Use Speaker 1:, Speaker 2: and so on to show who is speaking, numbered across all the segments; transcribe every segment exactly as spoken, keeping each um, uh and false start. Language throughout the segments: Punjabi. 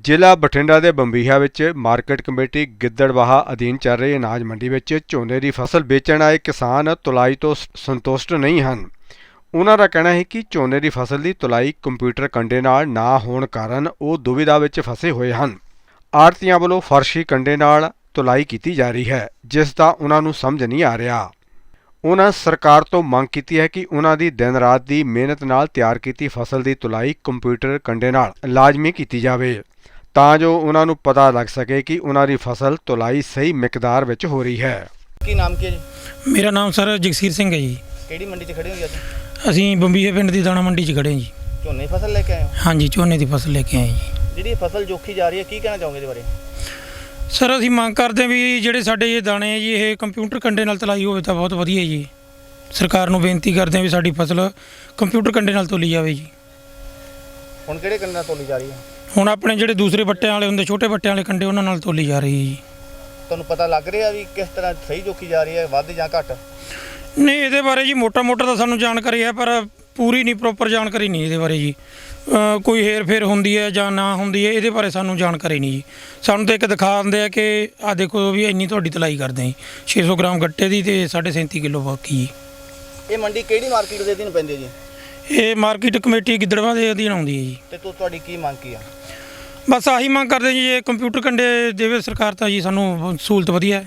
Speaker 1: ਜ਼ਿਲ੍ਹਾ ਬਠਿੰਡਾ ਦੇ ਬੰਬੀਹਾ ਵਿੱਚ ਮਾਰਕੀਟ ਕਮੇਟੀ ਗਿੱਦੜਬਾਹਾ ਅਧੀਨ ਚੱਲ ਰਹੀ ਅਨਾਜ ਮੰਡੀ ਵਿੱਚ ਝੋਨੇ ਦੀ ਫਸਲ ਵੇਚਣ ਆਏ ਕਿਸਾਨ ਤੁਲਾਈ ਤੋਂ ਸੰਤੁਸ਼ਟ ਨਹੀਂ ਹਨ। ਉਹਨਾਂ ਦਾ ਕਹਿਣਾ ਹੈ ਕਿ ਝੋਨੇ ਦੀ ਫਸਲ ਦੀ ਤੁਲਾਈ ਕੰਪਿਊਟਰ ਕੰਡੇ ਨਾਲ ਨਾ ਹੋਣ ਕਾਰਨ ਉਹ ਦੁਵਿਧਾ ਵਿੱਚ ਫਸੇ ਹੋਏ ਹਨ। ਆੜ੍ਹਤੀਆਂ ਵੱਲੋਂ ਫਰਸ਼ੀ ਕੰਡੇ ਨਾਲ ਤੁਲਾਈ ਕੀਤੀ ਜਾ ਰਹੀ ਹੈ, ਜਿਸ ਦਾ ਉਹਨਾਂ ਨੂੰ ਸਮਝ ਨਹੀਂ ਆ ਰਿਹਾ। ਉਹਨਾਂ ਸਰਕਾਰ ਤੋਂ ਮੰਗ ਕੀਤੀ ਹੈ ਕਿ ਉਹਨਾਂ ਦੀ ਦਿਨ ਰਾਤ ਦੀ ਮਿਹਨਤ ਨਾਲ ਤਿਆਰ ਕੀਤੀ ਫਸਲ ਦੀ ਤੁਲਾਈ ਕੰਪਿਊਟਰ ਕੰਡੇ ਨਾਲ ਲਾਜ਼ਮੀ ਕੀਤੀ ਜਾਵੇ, ਤਾਂ ਜੋ ਉਹਨਾਂ ਨੂੰ ਪਤਾ ਲੱਗ ਸਕੇ ਕਿ ਉਹਨਾਂ ਦੀ ਫਸਲ ਤੁਲਾਈ ਸਹੀ ਮਿਕਦਾਰ ਵਿੱਚ ਹੋ ਰਹੀ ਹੈ।
Speaker 2: ਕੀ ਨਾਮ ਕੀ ਹੈ ਜੀ?
Speaker 3: ਮੇਰਾ ਨਾਮ ਸਰ ਜਗਸੀਰ ਸਿੰਘ ਹੈ ਜੀ।
Speaker 2: ਕਿਹੜੀ ਮੰਡੀ 'ਚ ਖੜੇ ਹੋ ਜੀ ਅੱਜ?
Speaker 3: ਅਸੀਂ ਬੰਬੀਹੇ ਪਿੰਡ ਦੀ ਦਾਣਾ ਮੰਡੀ 'ਚ ਖੜੇ ਹਾਂ ਜੀ।
Speaker 2: ਝੋਨੇ ਦੀ ਫਸਲ ਲੈ ਕੇ ਆਏ ਹੋ?
Speaker 3: ਹਾਂਜੀ, ਝੋਨੇ ਦੀ ਫਸਲ ਲੈ ਕੇ ਆਏ ਜੀ।
Speaker 2: ਜਿਹੜੀ ਫਸਲ ਜੋਖੀ ਜਾ ਰਹੀ ਹੈ, ਕੀ ਕਹਿਣਾ ਚਾਹੋਗੇ ਇਹਦੇ ਬਾਰੇ?
Speaker 3: ਸਰ ਅਸੀਂ ਮੰਗ ਕਰਦੇ ਹਾਂ ਵੀ ਜਿਹੜੇ ਸਾਡੇ ਇਹ ਦਾਣੇ ਹੈ ਜੀ, ਇਹ ਕੰਪਿਊਟਰ ਕੰਡੇ ਨਾਲ ਤੁਲਾਈ ਹੋਵੇ ਤਾਂ ਬਹੁਤ ਵਧੀਆ ਜੀ। ਸਰਕਾਰ ਨੂੰ ਬੇਨਤੀ ਕਰਦੇ ਹਾਂ ਵੀ ਸਾਡੀ ਫਸਲ ਕੰਪਿਊਟਰ ਕੰਡੇ ਨਾਲ ਤੋਲੀ ਜਾਵੇ ਜੀ।
Speaker 2: ਹੁਣ ਕਿਹੜੇ ਕੰਡੇ ਨਾਲ ਤੋਲੀ ਜਾ ਰਹੀ ਹੈ?
Speaker 3: ਹੁਣ ਆਪਣੇ ਜਿਹੜੇ ਦੂਸਰੇ ਬੱਟਿਆਂ ਵਾਲੇ ਹੁੰਦੇ, ਛੋਟੇ ਬੱਟਿਆਂ ਵਾਲੇ ਕੰਡੇ, ਉਹਨਾਂ ਨਾਲ ਤੋਲੀ ਜਾ ਰਹੀ ਹੈ ਜੀ।
Speaker 2: ਤੁਹਾਨੂੰ ਪਤਾ ਲੱਗ ਰਿਹਾ ਵੀ ਕਿਸ ਤਰ੍ਹਾਂ ਸਹੀ ਜੋਖੀ ਜਾ ਰਹੀ ਹੈ, ਵੱਧ ਜਾਂ ਘੱਟ?
Speaker 3: ਨਹੀਂ, ਇਹਦੇ ਬਾਰੇ ਜੀ ਮੋਟਾ ਮੋਟਾ ਤਾਂ ਸਾਨੂੰ ਜਾਣਕਾਰੀ ਹੈ, ਪਰ ਪੂਰੀ ਨਹੀਂ, ਪ੍ਰੋਪਰ ਜਾਣਕਾਰੀ ਨਹੀਂ ਇਹਦੇ ਬਾਰੇ ਜੀ। ਕੋਈ ਹੇਰ ਫੇਰ ਹੁੰਦੀ ਹੈ ਜਾਂ ਨਾ ਹੁੰਦੀ ਹੈ, ਇਹਦੇ ਬਾਰੇ ਸਾਨੂੰ ਜਾਣਕਾਰੀ ਨਹੀਂ ਜੀ। ਸਾਨੂੰ ਤਾਂ ਇੱਕ ਦਿਖਾ ਦਿੰਦੇ ਆ ਕਿ ਆਹ ਦੇਖੋ ਵੀ ਇੰਨੀ ਤੁਹਾਡੀ ਤੁਲਾਈ ਕਰਦੇ ਜੀ, ਛੇ ਸੌ ਗ੍ਰਾਮ ਗੱਟੇ ਦੀ ਅਤੇ ਸਾਢੇ ਸੈਂਤੀ ਕਿਲੋ ਬਾਕੀ ਜੀ।
Speaker 2: ਇਹ ਮੰਡੀ ਕਿਹੜੀ ਮਾਰਕੀਟ ਦੇ ਅਧੀਨ ਪੈਂਦੀ ਹੈ ਜੀ?
Speaker 3: ਇਹ ਮਾਰਕੀਟ ਕਮੇਟੀ ਗਿੱਦੜਬਾਹਾ ਦੇ ਅਧੀਨ ਆਉਂਦੀ ਹੈ ਜੀ।
Speaker 2: ਤੇ ਤੂੰ ਤੁਹਾਡੀ ਕੀ ਮੰਗ ਕੀ ਆ?
Speaker 3: ਬਸ ਆਹੀ ਮੰਗ ਕਰਦੇ ਜੀ, ਇਹ ਕੰਪਿਊਟਰ ਕੰਡੇ ਦੇਵੇ ਸਰਕਾਰ ਤਾਂ ਜੀ ਸਾਨੂੰ ਸਹੂਲਤ ਵਧੀਆ ਹੈ।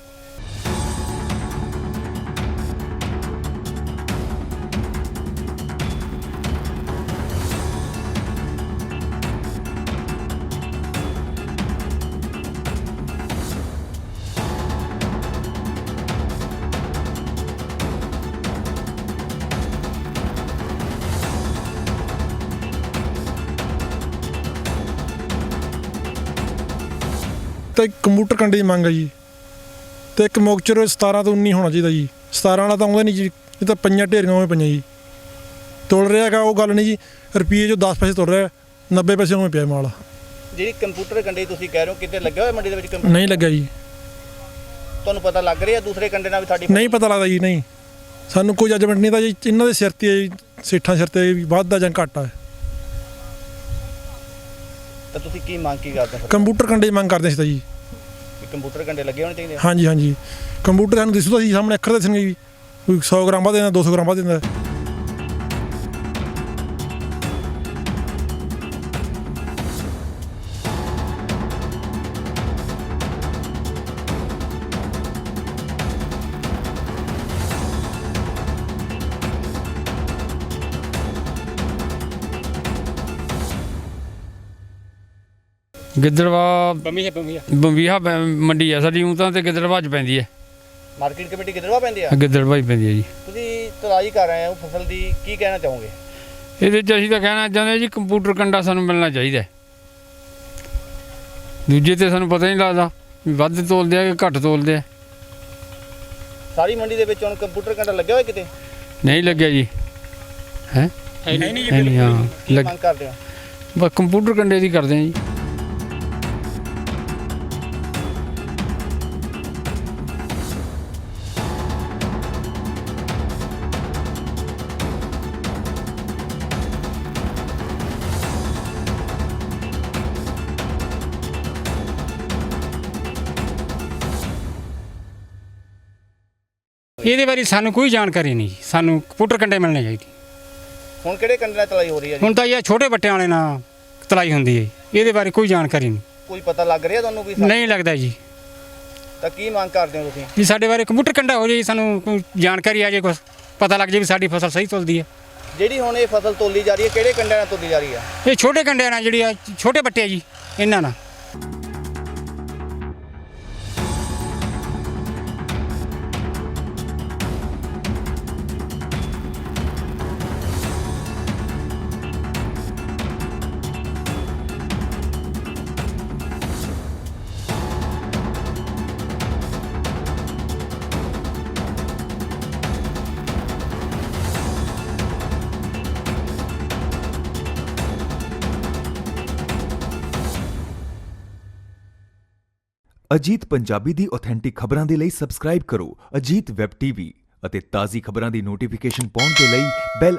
Speaker 4: ਤਾਂ ਇੱਕ ਕੰਪਿਊਟਰ ਕੰਡੇ ਦੀ ਮੰਗ ਹੈ ਜੀ, ਅਤੇ ਇੱਕ ਮੌਕਚਰ ਸਤਾਰਾਂ ਤੋਂ ਉੱਨੀ ਹੋਣਾ ਚਾਹੀਦਾ ਜੀ। ਸਤਾਰਾਂ ਵਾਲਾ ਤਾਂ ਆਉਂਦਾ ਨਹੀਂ ਜੀ, ਇਹ ਤਾਂ ਪਈਆਂ ਢੇਰੀਆਂ ਉਵੇਂ ਪਈਆਂ ਜੀ। ਤੁਲ ਰਿਹਾ ਹੈਗਾ ਉਹ ਗੱਲ ਨਹੀਂ ਜੀ, ਰੁਪਈਏ ਜੋ ਦਸ ਪੈਸੇ ਤੁਲ ਰਿਹਾ, ਨੱਬੇ ਪੈਸੇ ਉਵੇਂ ਪਿਆ ਮਾਲ।
Speaker 2: ਜਿਹੜੀ ਕੰਪਿਊਟਰ ਕੰਡੇ ਤੁਸੀਂ ਕਹਿ ਰਹੇ ਹੋ, ਕਿਤੇ ਲੱਗਿਆ ਹੋਇਆ ਮੰਡੀ ਦੇ ਵਿੱਚ ਕੰਪਿਊਟਰ?
Speaker 4: ਨਹੀਂ ਲੱਗਿਆ ਜੀ।
Speaker 2: ਤੁਹਾਨੂੰ ਪਤਾ ਲੱਗ ਰਿਹਾ ਦੂਸਰੇ ਕੰਡੇ ਨਾਲ ਵੀ ਤੁਹਾਡੀ?
Speaker 4: ਨਹੀਂ ਪਤਾ ਲੱਗਦਾ ਜੀ, ਨਹੀਂ ਸਾਨੂੰ ਕੋਈ ਜੱਜਮੈਂਟ ਨਹੀਂ ਤਾਂ ਜੀ। ਇਹਨਾਂ ਦੇ ਸਿਰ 'ਤੇ ਹੈ ਜੀ, ਸੇਠਾਂ ਸਿਰ 'ਤੇ ਵੀ ਵੱਧਦਾ ਜਾਂ ਘੱਟਾ।
Speaker 2: ਤਾਂ ਤੁਸੀਂ ਕੀ ਮੰਗ ਕੀ ਕਰਦੇ ਹੋ?
Speaker 4: ਕੰਪਿਊਟਰ ਕੰਡੇ ਦੀ ਮੰਗ ਕਰਦੇ ਸੀ ਤਾਂ ਜੀ।
Speaker 2: ਕੰਪਿਊਟਰ ਕੰਡੇ ਲੱਗੇ ਹੋਣੇ ਚਾਹੀਦੇ?
Speaker 4: ਹਾਂਜੀ ਹਾਂਜੀ, ਕੰਪਿਊਟਰ ਸਾਨੂੰ ਦਿਸੂਦਾ ਜੀ, ਸਾਹਮਣੇ ਅੱਖਰ ਦੱਸਣਗੇ ਜੀ, ਕੋਈ ਸੌ ਗ੍ਰਾਮ ਵੱਧ ਦਿੰਦਾ, ਦੋ ਸੌ ਗ੍ਰਾਮ ਵੱਧ ਦਿੰਦਾ।
Speaker 5: ਗਿੱਦੜਬਾਹਾ ਬੰਬੀਹਾ ਮੰਡੀ ਆ ਸਾਡੀ, ਊਂ ਤਾਂ ਤੇ ਗਿੱਦੜਬਾਹਾ 'ਚ ਪੈਂਦੀ ਹੈ।
Speaker 2: ਮਾਰਕੀਟ ਕਮੇਟੀ ਗਿੱਦੜਬਾਹਾ ਪੈਂਦੀ ਆ?
Speaker 5: ਗਿੱਦੜਬਾਹਾ ਹੀ ਪੈਂਦੀ ਹੈ ਜੀ।
Speaker 2: ਤੁਸੀਂ ਤੁਲਾਈ ਕਰ ਰਹੇ ਹੋ ਫਸਲ ਦੀ, ਕੀ ਕਹਿਣਾ ਚਾਹੋਗੇ
Speaker 5: ਇਹਦੇ 'ਚ? ਅਸੀਂ ਤਾਂ ਕਹਿਣਾ ਚਾਹੁੰਦੇ ਜੀ ਕੰਪਿਊਟਰ ਕੰਡਾ ਸਾਨੂੰ ਮਿਲਣਾ ਚਾਹੀਦਾ। ਦੂਜੇ ਤੇ ਸਾਨੂੰ ਪਤਾ ਨਹੀਂ ਲੱਗਦਾ ਵੀ ਵੱਧ ਤੋਲਦੇ ਆ ਕਿ ਘੱਟ ਤੋਲਦੇ ਆ।
Speaker 2: ਸਾਰੀ ਮੰਡੀ ਦੇ ਵਿੱਚ ਹੁਣ ਕੰਪਿਊਟਰ ਕੰਡਾ ਲੱਗਿਆ ਹੋਇਆ ਕਿਤੇ?
Speaker 5: ਨਹੀਂ ਲੱਗਿਆ ਜੀ। ਹੈ ਨਹੀਂ? ਹਾਂ
Speaker 2: ਕੀ ਮੰਗ ਕਰਦੇ ਹੋ?
Speaker 5: ਬਸ ਕੰਪਿਊਟਰ ਕੰਡੇ ਦੀ ਕਰਦੇ ਆ ਜੀ।
Speaker 6: ਇਹਦੇ ਬਾਰੇ ਸਾਨੂੰ ਕੋਈ ਜਾਣਕਾਰੀ ਨਹੀਂ। ਸਾਨੂੰ ਕੰਪਿਊਟਰ ਕੰਡੇ ਮਿਲਣੇ ਚਾਹੀਦੇ।
Speaker 2: ਹੁਣ ਕਿਹੜੇ ਕੰਡੇ ਨਾਲ ਤੁਲਾਈ ਹੋ ਰਹੀ ਹੈ ਜੀ?
Speaker 6: ਹੁਣ ਤਾਂ ਇਹ ਛੋਟੇ ਬੱਟਿਆਂ ਵਾਲੇ ਨਾਲ ਤੁਲਾਈ ਹੁੰਦੀ ਹੈ, ਇਹਦੇ ਬਾਰੇ ਕੋਈ ਜਾਣਕਾਰੀ ਨਹੀਂ।
Speaker 2: ਕੋਈ ਪਤਾ ਲੱਗ ਰਿਹਾ ਤੁਹਾਨੂੰ ਵੀ?
Speaker 6: ਨਹੀਂ ਲੱਗਦਾ ਜੀ।
Speaker 2: ਤਾਂ ਕੀ ਮੰਗ ਕਰਦੇ ਹੋ ਤੁਸੀਂ?
Speaker 6: ਜੀ ਸਾਡੇ ਬਾਰੇ ਕੰਪਿਊਟਰ ਕੰਡਾ ਹੋ ਜਾਏ, ਸਾਨੂੰ ਕੋਈ ਜਾਣਕਾਰੀ ਆ ਜਾਏ, ਕੁਛ ਪਤਾ ਲੱਗ ਜਾਏ ਵੀ ਸਾਡੀ ਫਸਲ ਸਹੀ ਤੁਲਦੀ ਹੈ।
Speaker 2: ਜਿਹੜੀ ਹੁਣ ਇਹ ਫਸਲ ਤੋਲੀ ਜਾ ਰਹੀ ਹੈ, ਕਿਹੜੇ ਕੰਡਿਆਂ ਨਾਲ ਤੋਲੀ ਜਾ ਰਹੀ ਹੈ?
Speaker 6: ਇਹ ਛੋਟੇ ਕੰਡਿਆਂ ਨਾਲ, ਜਿਹੜੀ ਆ ਛੋਟੇ ਬੱਟੇ ਆ ਜੀ, ਇਹਨਾਂ ਨਾਲ।
Speaker 7: ਅਜੀਤ ਪੰਜਾਬੀ ਦੀ ਆਥੈਂਟਿਕ ਖਬਰਾਂ ਦੇ ਲਈ ਸਬਸਕ੍ਰਾਈਬ ਕਰੋ ਅਜੀਤ ਵੈਬ ਟੀਵੀ ਅਤੇ ਤਾਜ਼ੀ ਖਬਰਾਂ ਦੀ ਨੋਟੀਫਿਕੇਸ਼ਨ ਪਾਉਣ ਦੇ ਲਈ ਬੈਲ